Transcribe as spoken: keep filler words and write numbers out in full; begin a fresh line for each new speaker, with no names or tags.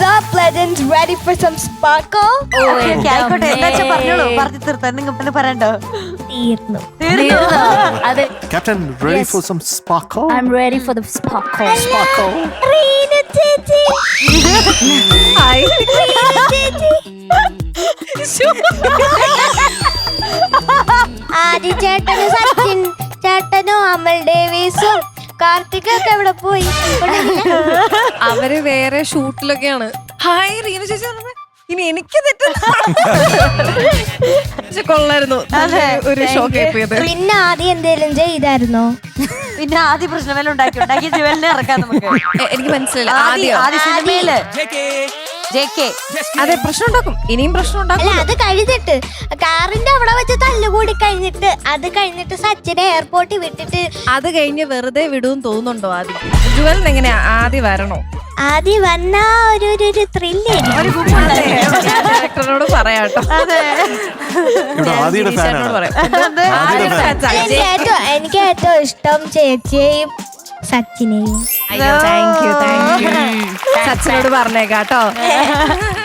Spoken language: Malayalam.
up, legends? Ready for some sparkle?
ആയിക്കോട്ടെ, എന്താ വെച്ചാ പറഞ്ഞോളൂ. പറഞ്ഞു തീർത്താ നിങ്ങൾ പറയണ്ടോ?
തീർന്നു.
അതെ.
Captain, ready for some sparkle?
I'm ready for the sparkle.
Sparkle.
Reena ചേച്ചി. ആദി ചേട്ടനും സച്ചിൻ ചേട്ടനും അമൽ ഡേവിസും കാർത്തികൊക്കെ എവിടെ പോയി?
അവര് വേറെ ഷൂട്ടിലൊക്കെയാണ്. ഹായ് റീന ചേച്ചി പറഞ്ഞപ്പോ ഇനി എനിക്ക് തെറ്റുന്ന കൊള്ളായിരുന്നു. ഒരു ഷോക്ക് ആയിപ്പോയത്.
പിന്നെ ആദ്യം എന്തേലും ചെയ്തായിരുന്നോ?
പിന്നെ ആദ്യ പ്രശ്നമേലും ഉണ്ടാക്കി ഉണ്ടാക്കി ജുവലിനെ ഇറക്കാം നമുക്ക്.
എനിക്ക് മനസ്സിലായില്ല.
ആദ്യ ആദ്യ സിനിമയില് ജെ കെ
അതെ, പ്രശ്നം ഉണ്ടാക്കും. ഇനിയും പ്രശ്നം
അല്ല,
ഉണ്ടാക്കും.
അത് കഴിഞ്ഞിട്ട് കാറിന്റെ അവിടെ വെച്ച് തല്ലുകൂടി കഴിഞ്ഞിട്ട് അത് കഴിഞ്ഞിട്ട് സച്ചിനെ എയർപോർട്ടിൽ വിട്ടിട്ട്
അത് കഴിഞ്ഞ് വെറുതെ വിടുമെന്ന് തോന്നുന്നുണ്ടോ ആദ്യം? ജുവലിന് എങ്ങനെയാ ആദ്യം വരണോ?
ആദ്യം വന്ന ഒരു ഒരു ത്രില്ലേ
ഡയറക്ടറിനോട് പറയാട്ടോ.
ഇവിടെ ആദിയുടെ ഫാനാണ്.
എനിക്ക് ഏറ്റവും എനിക്ക് ഏറ്റവും ഇഷ്ടം ചേച്ചിയെയും സച്ചിനെയും.
താങ്ക് യു താങ്ക് യു സച്ചിനോട് പറഞ്ഞേക്കാട്ടോ.